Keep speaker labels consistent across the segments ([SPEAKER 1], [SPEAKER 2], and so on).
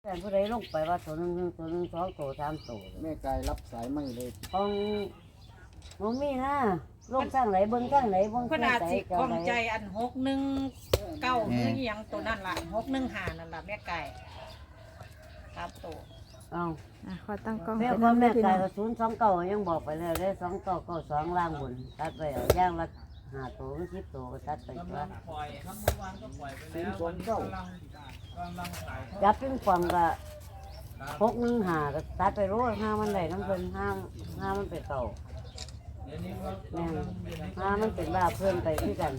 [SPEAKER 1] แต่ผู้ใดลงไปว่าตัวหนึ่งตัวหนึ่งสองตัวสามตัว
[SPEAKER 2] แม่กายรับสายไม่เลย
[SPEAKER 1] ของมันมีนะลงข้างไหนเบิ้งข้างไหนเบิ้ง
[SPEAKER 3] ข
[SPEAKER 1] ข้าง
[SPEAKER 3] นาด
[SPEAKER 1] ไหน
[SPEAKER 3] สิ
[SPEAKER 1] เจ้า
[SPEAKER 3] ของ
[SPEAKER 1] ไหน
[SPEAKER 3] ใจอัน619คือหยังตัวนั่นล่ะ615นั่นล่ะแม่ไก่ครับตัว
[SPEAKER 1] เอา
[SPEAKER 4] ขอตั้งกล้อง
[SPEAKER 1] แม่
[SPEAKER 4] เป็น
[SPEAKER 1] พ่อ
[SPEAKER 4] น้ำ
[SPEAKER 1] แม่
[SPEAKER 4] พี่
[SPEAKER 1] ไก่
[SPEAKER 4] น้อง
[SPEAKER 1] ก็029ยังบอกไปแล้วได้2992ล่างบนตัดไปเอาย่างละ5ตัว10ตัวก็ตัดไปตัว
[SPEAKER 2] 029
[SPEAKER 1] จับเป็นฝั่งก็615ก็ตัดไปโรยห้ามันได้น้ำเพิ่นห้ามันไปเก่าแม่นห้ามันเป็นบ้าเพิ่มไปที่กัน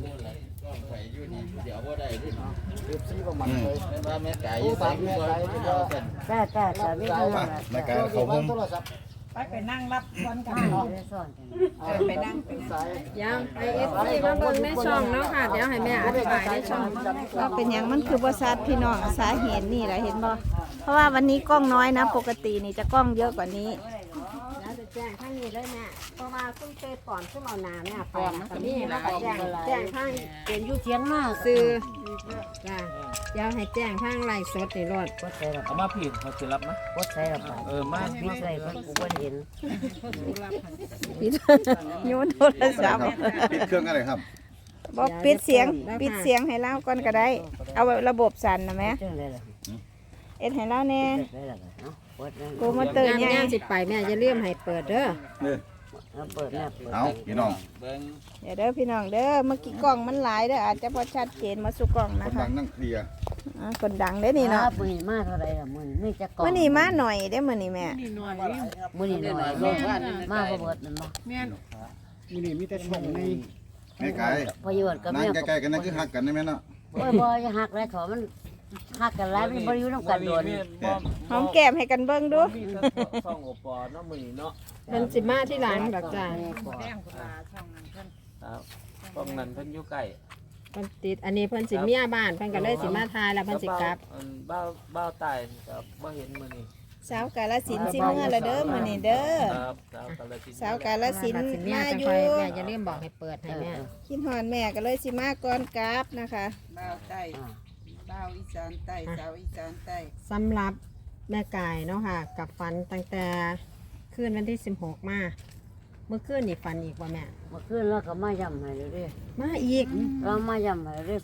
[SPEAKER 2] เรียบซีประมาณเลย
[SPEAKER 5] ว่าแม่ไก่
[SPEAKER 2] ผู้
[SPEAKER 5] ใส่
[SPEAKER 2] ฝาก
[SPEAKER 5] กุ้
[SPEAKER 2] แม่
[SPEAKER 5] ง
[SPEAKER 2] กายที่ว่า
[SPEAKER 1] แต่ไม่เท่าไหร่
[SPEAKER 5] แม่ไก่เขา
[SPEAKER 2] เขา
[SPEAKER 5] พุ่ม
[SPEAKER 2] โทรศัพท์
[SPEAKER 3] ไปนั่งรับวันกัน
[SPEAKER 1] ไม่
[SPEAKER 3] เนาะ
[SPEAKER 1] ได้ซ่อนกัน
[SPEAKER 3] ไปนั่ง
[SPEAKER 2] สาย
[SPEAKER 4] ยังไอเอฟซีมาเบิ่งในช่องเนาะค่ะเดี๋ยวให้แม่อธิบายในช่องว่าเป็นหยังมันคือบ่ชัดพี่น้องสาเหตุนี่แหละเห็นบ่เพราะว่าวันนี้กล้องน้อยนะปกตินี่จะกล้องเยอะกว่านี้
[SPEAKER 6] แล้วจะแจ้งข้างนี้เลยแม่เพราะว่าคุณเตก่อนขึ้นเอาน้ำเนี่ยไปกับนี่แล้วก็แจ้งข้าง
[SPEAKER 1] เป็นอยู่เทียงมาก
[SPEAKER 6] ซื้อจ้าเดี๋ยวให้แจ้งข้างไลฟ์สดนี่รถ
[SPEAKER 1] กดใส่ระ
[SPEAKER 5] เอา
[SPEAKER 1] บา
[SPEAKER 5] มาผิดเขาจะรับไหม
[SPEAKER 1] กดใส่ระบา
[SPEAKER 5] มา
[SPEAKER 1] พิดใส่เพิ่นกูบ่เห็น
[SPEAKER 4] ปิด โยนโทรศัพท์
[SPEAKER 7] ปิดเครื่องอะไรครับ
[SPEAKER 4] บอกปิดเสียงให้เล่าก่อนก็ได้ เอาระบบสั่นนะแม่
[SPEAKER 1] จังได๋ล่ะ
[SPEAKER 4] เอ็ดให้เล่าแน่
[SPEAKER 1] ได้ล่ะเนาะกดนั่น
[SPEAKER 4] กูมาเตย
[SPEAKER 6] งาน
[SPEAKER 4] ใหญ่
[SPEAKER 6] งานสิไปแม่จะเลื่อมให้เปิดเด้อ
[SPEAKER 1] เอาเปิดแม่เปิด
[SPEAKER 7] เอาพี่น้อง
[SPEAKER 5] เบิ้ง
[SPEAKER 4] เดี๋ยวเด้อพี่น้องเด้อเมื่อกี้กล้องมันหลายเด้ออาจจะพอชัดเจนมาสู่กล้อง
[SPEAKER 7] ค
[SPEAKER 4] นะ
[SPEAKER 7] น
[SPEAKER 4] คะ
[SPEAKER 7] ดังนั่งเคลียร์
[SPEAKER 4] คนดังเด้อนี่เนาะ
[SPEAKER 1] มื้อนี้มาเท่าไหร่ล่ะมื้อนี้มีจักกล่อง
[SPEAKER 4] มื่อนี้มาหน่อยเด้อมื่อนี้แม่
[SPEAKER 1] มื้อนี้หน่อยลงมาบ่เบิดนั่นบ่
[SPEAKER 2] มีนี่มีแต่ช่องใน
[SPEAKER 7] แม่ไก่
[SPEAKER 1] พออยู่กับ
[SPEAKER 7] นั่
[SPEAKER 1] แม่
[SPEAKER 7] งใกล้ๆกันนั่นคือหักกันได้ไหมเนาะ
[SPEAKER 1] โอ้ยบ่อย่าหักแล้วขอมันหักกันหลายมันบ่อยู่นำกันโดน
[SPEAKER 4] หอมแก้มให้กันเบิ่งดู
[SPEAKER 5] ช่องโอปอเนาะมือเนาะ
[SPEAKER 6] มันสิมาที่หลังดอกจ้า
[SPEAKER 3] แดงกุลาช่องนั้นเพิ่น
[SPEAKER 5] ครับช่องนั้นเพิ่นอยู่ใกล้
[SPEAKER 6] เพิ่นติดอันนี้เพิ่นสิเมียบ้านเพิ่นก็เลยสิมาทายแล้วเพิ่นสิกลับ
[SPEAKER 5] บ้าตายกับบ่เห็นมือนี่
[SPEAKER 4] สาวกาลสินธุ์สิเมื่อละเด้อมื่อนี้เด้อ
[SPEAKER 5] ครับสาวกาลสิน
[SPEAKER 4] สาวกาลสินธุ์
[SPEAKER 6] สิเมีย
[SPEAKER 4] มา
[SPEAKER 6] จัง
[SPEAKER 4] อ
[SPEAKER 6] ค่
[SPEAKER 4] ยู่
[SPEAKER 6] อยแม่จะเลื่อมบอกให้เปิดให้แม่
[SPEAKER 4] คิดฮอนแม่ก็เลยสิมาก่อนกราบนะคะ
[SPEAKER 8] บ่าวใต้บ่าวอีสานใต้สาวอีสานใต้
[SPEAKER 6] สำหรับแม่กายเนาะค่ะ กับฝันตั้งแต่คืนวันที่16มาเมื่อคืนนี่ฝันอีกว่าแม่
[SPEAKER 1] เมื่อคืนเราก็มาย้ำให้เลยเด้
[SPEAKER 6] มาอีก
[SPEAKER 1] เรามาย้ำให้เด้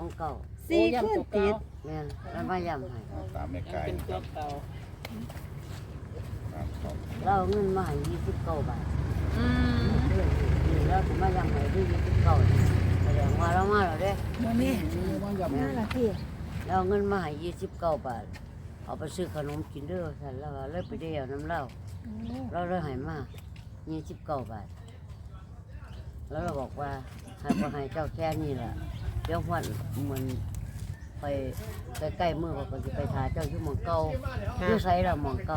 [SPEAKER 1] 029
[SPEAKER 6] 4คืนติด
[SPEAKER 1] แม่นเรามาย้ำให้
[SPEAKER 7] ตามแม่ไก่
[SPEAKER 5] เป็นตัวเก่า
[SPEAKER 7] ตามเขา
[SPEAKER 1] เราเอาเงินมาให้29 บาทนี่เราสิมาย้ำให้ด้วย29แสดงว่าเรามาแล้วเด้
[SPEAKER 2] มาอย่าง
[SPEAKER 1] แม่
[SPEAKER 4] นั่นล่ะพี่
[SPEAKER 1] เราเอาเงินมาให้29 บาท เอาไปซื้อขนมกินเด้อซั่นแล้วก็เลยไปเดียวน้ำเราเราเลยให้มา29 บาท แล้วเราบอกว่าให้บ่ให้เจ้าแค่นี้ล่ะเดี๋ยววันเหมือนไปใกล้ๆมือเขาก็สิไปหาเจ้าอยู่หม่องเก่าอยู่ไสล่ะหม่องเก่า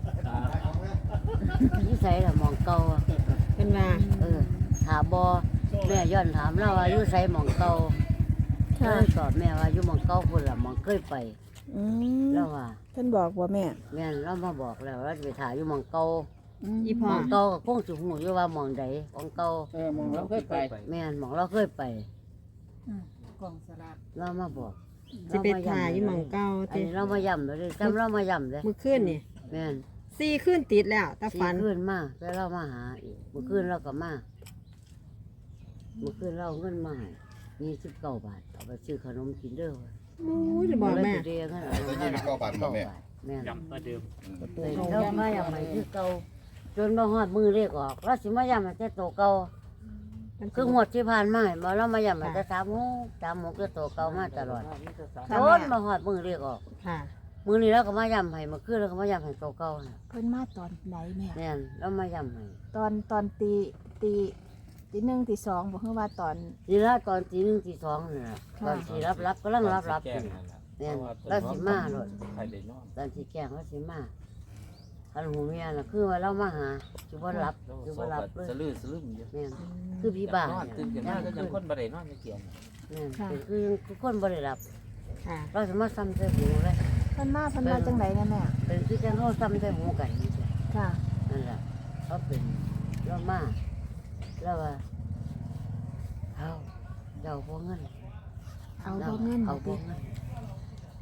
[SPEAKER 1] อยู่ไสล่ะหม่องเก่า
[SPEAKER 6] เพิ่นว่า
[SPEAKER 1] ถามบ่แม่ย้อนถามเราว่าอยู่ไสหม่องเก่า
[SPEAKER 4] ค่ะ
[SPEAKER 1] เราตอบแม่ว่าอยู่หม่องเก่าพุ่นล่ะหม่องเคยไป
[SPEAKER 4] อืม
[SPEAKER 1] แล้วว่า
[SPEAKER 4] เพิ่นบอกว่าแม่
[SPEAKER 1] แม่นเรามาบอกแล้วเราจะไปถ่ายอยู่หม่องเก่า
[SPEAKER 6] อี
[SPEAKER 1] ห
[SPEAKER 6] พ่อ
[SPEAKER 1] ม่องเก่าก็คงสิฮู้อยู่ว่าหม่องใดหม่องเก่า
[SPEAKER 2] มองแล้วเคยไป
[SPEAKER 1] แม่นหม่องเราเคยไป
[SPEAKER 3] กล่องสลาก
[SPEAKER 1] เรามาบอก
[SPEAKER 6] สิไปถ่ายอยู่หม่องเก่า
[SPEAKER 1] อัน
[SPEAKER 6] ติ
[SPEAKER 1] นี้เรามาย้ำเลยจำเรามาย้ำเลย
[SPEAKER 6] เมื่อคืนนี่
[SPEAKER 1] แม่น
[SPEAKER 6] 4คืนติดแล้วแต่
[SPEAKER 1] สี่
[SPEAKER 6] ฝัน
[SPEAKER 1] คืนมาแล้วเรามาหาอีกเมื่อคืนเราก็มาเมื่อคืนเราเอาเงินมาให้29 บาทเอาไปซื้อขนมกินเด้อ
[SPEAKER 6] โอ้ยจะบอกแม่
[SPEAKER 1] เลยไปเรียกเงินเอาเงิน9 บาทแม่น
[SPEAKER 5] ย้ำประเดิม
[SPEAKER 1] เรามาย้ำให้คือเก่าจนมาฮอดมือเรียกออกเราสิมาย้ำให้แต่โตเก่าคือหมดที่ผ่านมาบ่เรามาย้ำให้แต่3 6ก็โตเก่ามาตลอดจนมาฮอดมือเรียกออก
[SPEAKER 6] ค่ะ
[SPEAKER 1] มื้อนี้เราก็มาย้ำให้เมื่อคืนเราก็มาย้ำให้โตเก่าน่ะ
[SPEAKER 4] เพิ่นมาตอนไหนแม่
[SPEAKER 1] แม่นเรามาย้ำให้
[SPEAKER 4] ตอนตีหนึ่งตีสองบอกเพิ่นว่าตอน
[SPEAKER 1] ทีละตอนตีหนึ่งตีสองนี่ล่ะตอนสีรับก็ลังรับ
[SPEAKER 5] แก
[SPEAKER 1] อยู่
[SPEAKER 5] งนั่นแหละ
[SPEAKER 1] เนี่ยเราสิมาโลด
[SPEAKER 5] ใครได้นอน
[SPEAKER 1] ตอนสีแกงเราสิมาคันหูเมียน่ะคือว่าเรามาหาจุบ่รับจุบ่รับเลย
[SPEAKER 5] สลืมอยู่
[SPEAKER 1] แม่นคือพี่บ้าน
[SPEAKER 5] นอนตื่นขึ้นมาก็ยังคนบ่ได้นอนในเกียง
[SPEAKER 1] แม่นเป็นคือคนบ่ได้รับ
[SPEAKER 6] ค่ะ
[SPEAKER 1] เราสิมาซ้ำใส่หูเลย
[SPEAKER 4] เพิ่นมาจังไดนะแม่
[SPEAKER 1] เป็นคือจังเฮาซ้ำใส่หูกันนี่จ้ะ
[SPEAKER 4] ค่ะ
[SPEAKER 1] นั่นแหละเขาเป็นเรามาแล้วว่าเอาเจ้าบ่เงิน
[SPEAKER 4] เอาบ่เงิน
[SPEAKER 1] เอาบ่
[SPEAKER 4] ติ
[SPEAKER 1] เงินก็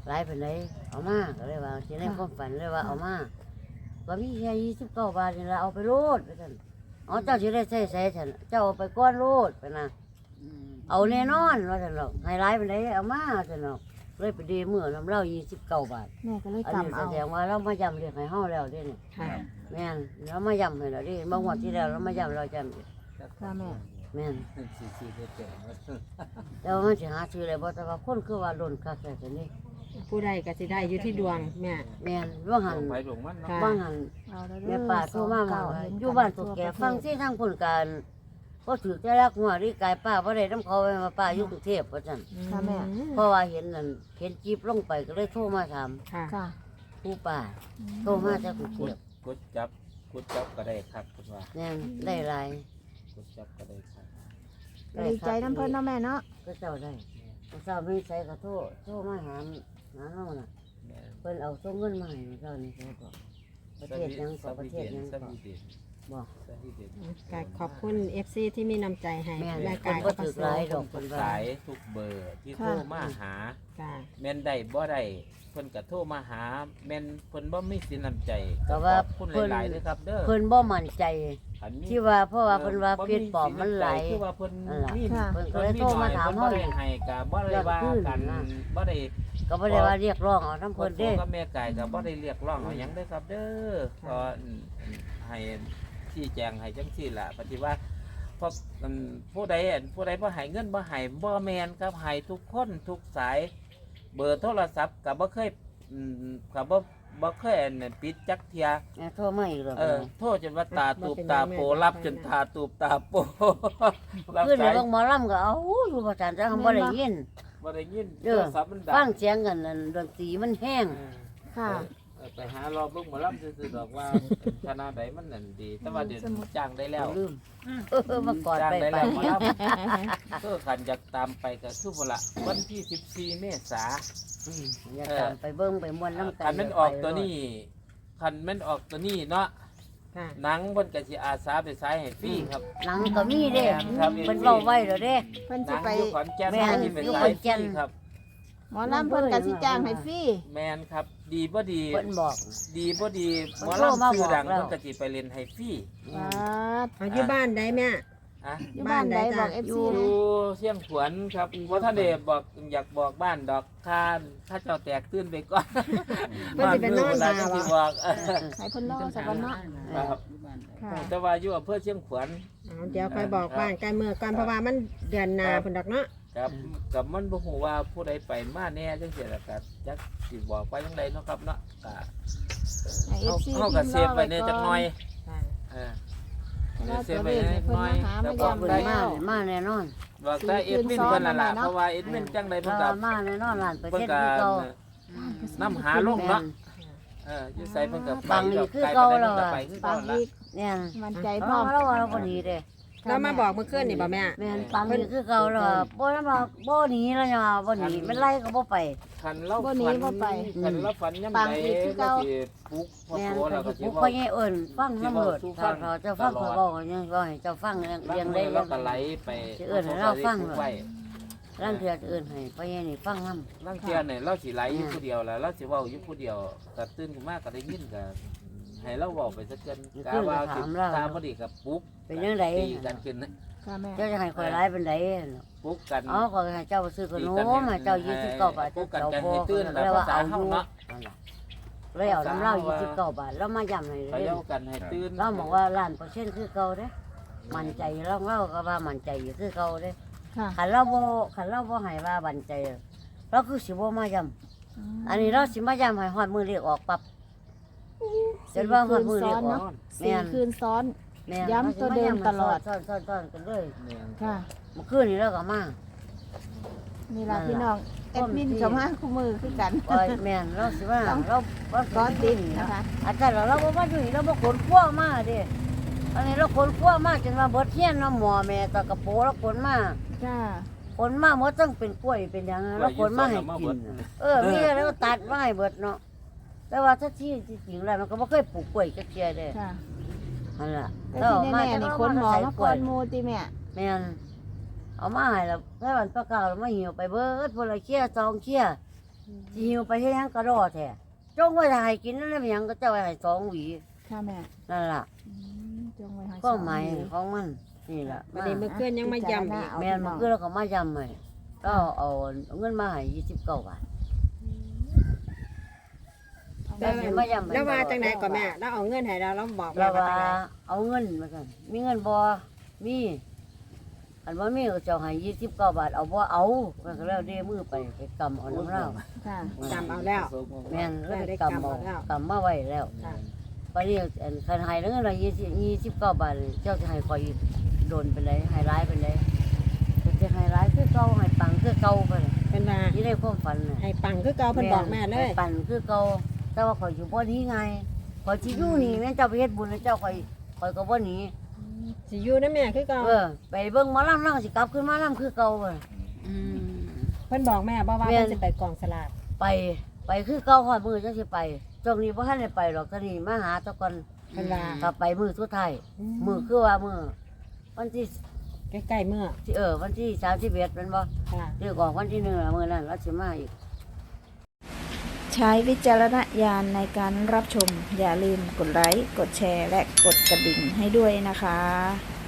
[SPEAKER 1] หลายเป็นไรเอามาก็เลยว่าสิในความฝันเลยว่าเอามาก็มีแค่29 บาทนี่ละเอาไปโลดไปซั่นอ๋อเจ้าสิได้ใช้ฉันเจ้าเอาไปก้อนโลดไปนะเอาแน่นอนว่าซั่นหรอกให้หลายเป็นไรเอามาซั่นหรอกเลยไปดีมื้อน้ำเหล้า29 บาท
[SPEAKER 4] แม่ก็เลย
[SPEAKER 1] อันนี้
[SPEAKER 4] กำ
[SPEAKER 1] แส
[SPEAKER 4] เอา
[SPEAKER 1] ดงว่าเรามาย้ำเรียกให้เฮาแล้วเด้นี่
[SPEAKER 6] ค่ะ
[SPEAKER 1] แม่นเรามาย้ำให้แล้วเดิบางวันที่แล้วเรามาย้ำเราย้ำอีก
[SPEAKER 4] ค่ะแม่
[SPEAKER 1] แม่น
[SPEAKER 5] สี่เจ็ด
[SPEAKER 1] แต่ว่ามันสิหาซื้อได้บ่แต่ว่าคนคือว่าล้นคักแต่นี่
[SPEAKER 6] ผู้ใดก็สิได้อยู่ที่ดวงแม่
[SPEAKER 1] แม่นว่าหัน
[SPEAKER 5] ไปหลวงมันเนาะ
[SPEAKER 6] ค่ะ
[SPEAKER 1] ว่าหัน
[SPEAKER 4] เอาแล้ว
[SPEAKER 1] แม่ป้าโทรมาว่าอยู่บ้านตัวแก่ฟังสิทางคนการก็ถือแต่รักหัวนี่กายป้าบ่ได้นำเขาไปมาป้าอยู่กรุงเทพว่าซั่น
[SPEAKER 4] ค่ะแม่
[SPEAKER 1] เพราะว่าเห็นนั่นเห็นจีบลงไปก็เลยโทรมาถาม
[SPEAKER 6] ค่ะ
[SPEAKER 4] ค่ะ
[SPEAKER 1] ผู้ป้าโทรมาจากกรุงเทพ
[SPEAKER 5] กุดจับก็ได้ครับคุณว่า
[SPEAKER 1] แม่นได้หลาย
[SPEAKER 5] กุดจับก็ได้ครับ
[SPEAKER 4] ก็ดีใจน้ำเพิ่นเนาะแม่เนาะ
[SPEAKER 1] ก็เจ้าได้เจ้าไม่ใส่ก็โทรมาหาเฮาน่ะ เพิ่นเอาส่งเงินมาให้เจ้านี่เขาก็ประเทศยังก็ประเทศยังก็บอก
[SPEAKER 6] ก็ขอบคุณ FC ที่มีน้ำใจให้
[SPEAKER 1] แม่น
[SPEAKER 6] แม่
[SPEAKER 1] คน
[SPEAKER 6] กาย
[SPEAKER 1] ก็
[SPEAKER 6] ก็
[SPEAKER 1] ถือหลายดอกเพิ่นว่า
[SPEAKER 5] สายทุกเบอร์ที่โทรมาหา
[SPEAKER 6] ค่ะ
[SPEAKER 5] แม่นได้บ่ได้เพิ่นก็โทรมาหาแม่นเพิ่นบ่มีสินน้ำใจ
[SPEAKER 1] ก็ว่า
[SPEAKER 5] ขอบคุณหลายๆเด้อครับเด้อ
[SPEAKER 1] เพิ่นบ่มั่นใจ
[SPEAKER 5] อันนี้
[SPEAKER 1] ที่ว่าเพราะว่าเพิ่นว่าเพชรปลอมมันไหล
[SPEAKER 5] คือว่าเพิ่น
[SPEAKER 1] นั่นล่ะ
[SPEAKER 5] มี
[SPEAKER 1] เพิ่นก็เลยโทรมาถาม
[SPEAKER 5] เฮา
[SPEAKER 1] เฮา
[SPEAKER 5] บ่
[SPEAKER 1] อี
[SPEAKER 5] ได้
[SPEAKER 1] ก
[SPEAKER 5] ให้ก็บ่ได้ว่ากันบ่ได้
[SPEAKER 1] ก็บ่ได้ว่าเรียกร้องเอาน้ำ
[SPEAKER 5] เพิ่
[SPEAKER 1] เพิ่
[SPEAKER 5] น
[SPEAKER 1] น
[SPEAKER 5] เด้
[SPEAKER 1] เด้
[SPEAKER 5] กับแม่ไก่ก็บ่ได้เรียกร้องเอาหยังเด้อครับเด้อก็ให้ชี้แจงให้จังซี่ล่ะปฏิว่าเพราะผู้ใดบ่ให้เงินบ่ให้บ่แม่นครับให้ทุกคนทุกสาย เบอร์โทรศัพท์ก็บ่เคยก็บ่เคยปิดจักเที่ย
[SPEAKER 1] แม่โทรมาอีกแล้ว
[SPEAKER 5] โทษจนว่าตาตูบตาโปรับจนตาตูบตาโปรับ
[SPEAKER 1] ขึ้น
[SPEAKER 5] สาย
[SPEAKER 1] เบิ่งหมอลำก็เอาอยู่ประจานจังบ่ได้ยิน
[SPEAKER 5] บ่ได้ยิน
[SPEAKER 1] เด้
[SPEAKER 5] โท
[SPEAKER 1] อ
[SPEAKER 5] รศัพท์มันดัง
[SPEAKER 1] ฟังเสียงกันนั่นดนตรีมันแห้ง
[SPEAKER 4] ค่ะ
[SPEAKER 5] ไปหารอเบิ่งหมอลำซื่อๆดอกว่าคณะใดมันนั่นดี แต่ว่าเดี๋ยวจ้างได้แล้ว
[SPEAKER 1] ลืมมากอด
[SPEAKER 5] จ้าง
[SPEAKER 1] ไป
[SPEAKER 5] ได้
[SPEAKER 1] ไป
[SPEAKER 5] แล้วหมอลำก็ขันอยากตามไปก็คือบ่ละวันที่14เมษา
[SPEAKER 1] อย่าตามไปเบิ่งไปม่วนน้ำกั
[SPEAKER 5] คันมันออกตัวนี้คันมันออกตัวนี้เนาะ
[SPEAKER 6] ค่ะ
[SPEAKER 5] หนังเพิ่นก็สิอาสาไปฉายให้ฟรีครับ
[SPEAKER 1] หนังก็มีเด้
[SPEAKER 5] ครับ
[SPEAKER 1] เพิ่นเว้าไว้แล้วเด้
[SPEAKER 4] เพิ่น
[SPEAKER 5] ห
[SPEAKER 4] สิ
[SPEAKER 5] นัง
[SPEAKER 4] ไป
[SPEAKER 5] อยู่ขอนแก่น
[SPEAKER 1] แม่น
[SPEAKER 5] ที่เป็น
[SPEAKER 1] อยู่
[SPEAKER 5] ฉา
[SPEAKER 1] ขอย น
[SPEAKER 5] ฟ
[SPEAKER 1] แก่น
[SPEAKER 5] รีครับ
[SPEAKER 4] หมอลำเพิ่นก็สิจ้างให้ฟรี
[SPEAKER 5] แมนครับ ดีบ่ดี
[SPEAKER 1] เพิ่นบอก
[SPEAKER 5] ดีบ่ดีหมอ
[SPEAKER 1] เพิ่นโทรมา
[SPEAKER 5] ลำชื่อดัง
[SPEAKER 1] บอกแล้ว
[SPEAKER 5] เพิ่นก็สิไปเล่นให้ฟรี
[SPEAKER 4] ว้าด
[SPEAKER 6] เอาอยู่บ้านได้แม่
[SPEAKER 5] อ่ะ
[SPEAKER 4] อยู่บ้านใดบอก
[SPEAKER 1] อ
[SPEAKER 4] FC
[SPEAKER 1] ยู่
[SPEAKER 4] นะ
[SPEAKER 5] อยู่เชียงขวนครับว่าท่านเดบอกอยากบอกบ้านดอกข้าเจ้าแตกตื่นไปก่อน
[SPEAKER 6] เพิ่นสิไปนอน
[SPEAKER 5] บ้
[SPEAKER 6] ดา
[SPEAKER 5] มื
[SPEAKER 6] ว
[SPEAKER 5] สิบอก
[SPEAKER 4] ให้เพิ่นรอสักวันเนาะ
[SPEAKER 5] ครับ
[SPEAKER 4] ค่ะ
[SPEAKER 5] แต่ว่าอยู่อำเภอเชียงขวน
[SPEAKER 6] เอาเดี๋ยวค่อยบอกบ้านใกล้เมื่อก่อนเพราะว่ามันเดือนหน้าเพิ่นดอกเนาะ
[SPEAKER 5] ครับกับมันบ่ฮู้ว่าผู้ใดไปมาแน่จังซี่ล่ะก็จักสิบอกไปจังไดเนาะครับเนาะก็
[SPEAKER 4] ให้ FC
[SPEAKER 5] เฮาก็เซฟไว้แน่จักหน่อย
[SPEAKER 6] ค่ะ
[SPEAKER 5] เออ
[SPEAKER 4] แล้ว
[SPEAKER 5] เซ
[SPEAKER 4] ตัว
[SPEAKER 5] ฟ
[SPEAKER 4] เล
[SPEAKER 5] ไว้
[SPEAKER 4] ข
[SPEAKER 5] แน่
[SPEAKER 4] ให้
[SPEAKER 5] จัก
[SPEAKER 4] เพิ่
[SPEAKER 5] ห
[SPEAKER 4] น
[SPEAKER 5] น่อย
[SPEAKER 4] มาหามาย้ำ
[SPEAKER 1] เพิ่นมาแน่นอน
[SPEAKER 5] บอกแต่เอ็ดมินเพิ่นนั่นล่ะเพราะว่าเอ็ดมินจังไดเพิ่น
[SPEAKER 1] เรา
[SPEAKER 5] ก็
[SPEAKER 1] มาแน่นอนล้านเปอร์
[SPEAKER 5] เพิ่น
[SPEAKER 1] เซ็นต์
[SPEAKER 5] ก็
[SPEAKER 1] คือเก่า
[SPEAKER 5] นำหาลงเนาะอยู่ใส่เพิ่นก็ไป
[SPEAKER 1] ฟังนี่
[SPEAKER 5] ดอก
[SPEAKER 1] คือ
[SPEAKER 5] ไกล
[SPEAKER 1] เก่า
[SPEAKER 5] ไป
[SPEAKER 1] แล้
[SPEAKER 5] เพิ่
[SPEAKER 1] วน
[SPEAKER 5] ก็
[SPEAKER 1] อะ
[SPEAKER 5] ไปคือ
[SPEAKER 4] ฟั
[SPEAKER 5] เก่าง ละ
[SPEAKER 4] อีก
[SPEAKER 1] เนี่ย
[SPEAKER 4] มั่นใจพ
[SPEAKER 1] เพ
[SPEAKER 4] ร้อ
[SPEAKER 1] ราะ
[SPEAKER 4] ม
[SPEAKER 1] เราว่าเราบ่หนีเด้
[SPEAKER 6] เรามาบอกเมื่อคืนนี่บ่แม่
[SPEAKER 1] แม่นฟังนี่คือเก่าแล้วอะบ่นำบอกบ่หนีแล้วยังว่าบ่หนีมันไล่ก็บ่ไป
[SPEAKER 5] คันเรา
[SPEAKER 4] บ่หนี
[SPEAKER 5] ฝัน
[SPEAKER 4] บ่ไป
[SPEAKER 5] คันเราฝันยาม
[SPEAKER 4] ฟัง
[SPEAKER 5] ใด
[SPEAKER 4] อีกคือ
[SPEAKER 5] เรา
[SPEAKER 4] เก่า
[SPEAKER 5] สิปลุกพอ
[SPEAKER 1] แม่น
[SPEAKER 5] โตแล้วก็สิ
[SPEAKER 1] ผู้
[SPEAKER 5] เว้า
[SPEAKER 1] พ่อใหญ่เอิ้นฟังน้ำเลิศถ้าเขาจะฟังเขาบอกว่ายังว่าให้เจ้าฟังเรียงได้
[SPEAKER 5] เราก็ไหลไป
[SPEAKER 1] สิเอิ้นให้เราฟัง
[SPEAKER 5] ไว้
[SPEAKER 1] ร่างเทือเอิ้นให้พ่อใหญ่นี่ฟังนำ
[SPEAKER 5] ลางเที่ยเนี่ยเราสิไหลอยู่ผู้เดียวแล้วเราสิเว้าอยู่ผู้เดียวก็ตื่นขึ้นมาก็ได้ยินก็ให้เราเว้าไปสักเกินกะว่าสิตามบ่ดีก็ปลุก
[SPEAKER 1] เป็นจังได๋
[SPEAKER 5] ตีกันขึ้นนะ
[SPEAKER 4] ค่ะแม่
[SPEAKER 1] เจ้าจะให้ข่อยหลายเป็นได
[SPEAKER 5] ปลุกกัน
[SPEAKER 1] อ๋อก็ให้เจ้าไปซื้อขนมให้เจ้า29 บาท
[SPEAKER 5] ปลุกกัน
[SPEAKER 1] เจ้า
[SPEAKER 5] กัน
[SPEAKER 1] พอ
[SPEAKER 5] ให้ตื่นแบบ
[SPEAKER 1] แล้วว่า
[SPEAKER 5] ภาษา
[SPEAKER 1] เอาอ
[SPEAKER 5] เฮา
[SPEAKER 1] ยู่
[SPEAKER 5] เนาะ
[SPEAKER 1] เลยเอาน้ำเหล้า29 บาทแล้วมาย้ำให้เล
[SPEAKER 5] เขา
[SPEAKER 1] ย
[SPEAKER 5] เย้ากันให้ตื่น
[SPEAKER 1] เราบอกว่าล้านเปอร์เซ็นต์คือเก่าเด้มั่นใจเราก็ว่ามั่นใจอยู่คือเก่าเด้
[SPEAKER 4] ค่ะ
[SPEAKER 1] คันเราบ่ให้ว่ามั่นใจเราคือสิบ่มาย้ำอันนี้เราสิมาย้ำให้ฮอดมื้อเลขออกปั๊บจนว่าฮอดมื้อเลขออก
[SPEAKER 4] สี่คืนซ้อน
[SPEAKER 1] แม่น
[SPEAKER 4] ย้ำตัวเดิมตลอด
[SPEAKER 1] ซ้อนกันเลย
[SPEAKER 5] เนี่ย
[SPEAKER 4] ค่ะ
[SPEAKER 1] เมื่อคืนนี้เราก็มา
[SPEAKER 4] นี่ล่ะพี่น้องแอดมินเขามาคู่มือคือกัน
[SPEAKER 1] โอ้ยแม่นเราสิว่าเรา
[SPEAKER 4] ซ้อนติดนะคะ
[SPEAKER 1] อาจารย์เราบ่ว่าอยู่นี่เราบ่ขนขั้วมาเด้อันนี้เราขนขั้วมาจนว่าเบิดเฮียนเนาะหมอแม่ตะกระโปเราขนมา
[SPEAKER 4] จ้า
[SPEAKER 1] ขนมาหมดต้องเป็นกล้วยเป็นหยังเราขนมาให้กินมีอะไรก็ตัดมาให้เบิดเนาะแต่ว่าถ้าที่จริงแล้วมันก็บ่เคยปลูกกล้วยจักเที่ยเด้
[SPEAKER 4] ค่ะ
[SPEAKER 1] นั่นล่ะ
[SPEAKER 4] แต่ที่แน่ๆนี่คนหมอมาก่อนหมูติแม่
[SPEAKER 1] แม่นเอามาให้แล้วแค่วันประกาศมาหิวไปเบิดพุ่นละเคี้ย2เคี้ยสิหิวไปเฮ็ดหยังกระดอแท้จงไว้ถ้าให้กินนั่นแหละมันหยังก็เจ้าไว้ให้2หวี
[SPEAKER 4] ค่ะแม่
[SPEAKER 1] นั่นล่ะ
[SPEAKER 4] จงไว้ให้
[SPEAKER 1] ก็หมายของมันนี่ล่ะ
[SPEAKER 6] วันนี้เมื่อคืนยังมาย้ำอีก
[SPEAKER 1] แม่นมันคือเราก็มาย้ำให้ก็เอาเงินมาให้29 บาทแล้วสิมาย้ำให้
[SPEAKER 6] แล้วว่าจังไหนก่อนแม่แล้วเอาเงินให้เราบอกแม่
[SPEAKER 1] แล้ว
[SPEAKER 6] ว่า
[SPEAKER 1] ว่า
[SPEAKER 6] จังไหน
[SPEAKER 1] เอาเงินมาสั่นมีเงินบ่มีอันว่ามีก็เจ้าให้29 บาทเอาบ่เอาก็แล้วเด้มือไปกำเอาน้ำเหล้า
[SPEAKER 4] ค่ะ
[SPEAKER 6] จำเอาแล้ว
[SPEAKER 1] แม่นแล้วไป
[SPEAKER 6] ได้
[SPEAKER 1] กำ
[SPEAKER 6] กำ
[SPEAKER 1] เอา
[SPEAKER 6] เอาแล้ว
[SPEAKER 1] กำมาไว้แล้ว
[SPEAKER 6] ค่ะ
[SPEAKER 1] ปานนี้อันคันให้แล้วเงินละ29 บาทเจ้าจะให้ข่อยอีกโดนไปเลยให้ร้ายไปเลยจะให้ร้ายคือเก่าให้ปังคือเก่าไปเลย
[SPEAKER 6] เป็นว่า
[SPEAKER 1] นี่ได้ความฝันน่ะ
[SPEAKER 6] ให้ปังคือเก่าเพิ่นบอกแม่เลย
[SPEAKER 1] ให้ปังคือเก่าแต่ว่าข่อยอยู่บ่หนี้ไงข่อยสิอยู่นี่แม่นเจ้าไปเฮ็ดบุญแล้วเจ้าข่อยก็บ่หนี
[SPEAKER 6] สิอยู่นะแม่คือเก่า
[SPEAKER 1] ไปเบิ่งหมอลำนั่งสิกลับขึ้นมาลำคือเก่าเว้ย
[SPEAKER 6] เพิ่นบอกแม่บ่ว่า
[SPEAKER 1] แม่น
[SPEAKER 6] เพิ่นสิไปกองสลาก
[SPEAKER 1] ไปคือเก่าฮอดมื้อจังสิไปช่วงนี้บ่ทันได้ไปหรอกตอนนี้มาหาตะก่อน
[SPEAKER 6] เพิ่นว่า
[SPEAKER 1] ถ้าไปมื้อสุดท้ายมื้อคือว่ามื้อวันที่
[SPEAKER 6] ใกล้ๆเมื่อ
[SPEAKER 1] วันที่31แม่นบ่
[SPEAKER 6] ค่ะ
[SPEAKER 1] เรียกออกวันที่1มื้อนั้นเราสิมาอีก
[SPEAKER 4] ใช้วิจารณญาณในการรับชม อย่าลืมกดไลค์ กดแชร์ และกดกระดิ่งให้ด้วยนะคะ